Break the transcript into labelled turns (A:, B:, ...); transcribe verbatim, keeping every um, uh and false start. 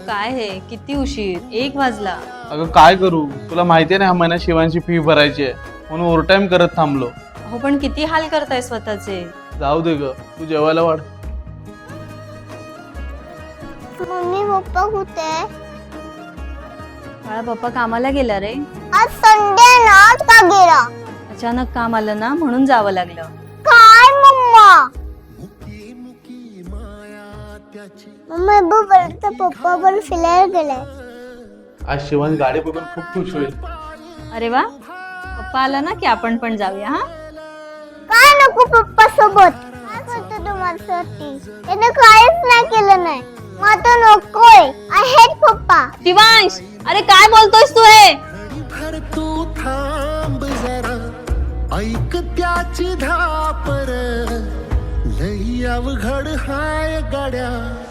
A: काय हे किती उशीर एक वाजला.
B: अगं काय करू, तुला माहितीये ना ह्या महिन्यात शिवांची फी भरायची आहे म्हणून ओव्हर टाइम करत थांबलो.
A: हो पण किती हाल करताय स्वतःचे.
B: जाऊ दे ग, तू जेवायला वाढ.
C: मम्मी पप्पा कुठे?
A: बाळा पप्पा कामाला गेला रे.
C: आज संडे ना, का गेला?
A: अचानक काम आलं ना म्हणून जावं लागलं.
C: काय मम्मा? मम्मा बरोबर पप्पा बरोबर फिरायला गेलाय.
B: आज शिवांश गाडी बघून खूप खुश होईल.
A: अरे वा, पप्पा आला ना की आपण पण जाऊया. हा
C: काय नको पप्पा सोबत. काय करतो तू माझ्यासाठी? त्याने काहीच नाही केलं नाही. मला नकोय. आय हेट पप्पा.
A: शिवांश, अरे काय बोलतोयस तू हे?
D: भर तू थांब जरा, ऐक त्याची धापर, लई अवघड हाय गड्या.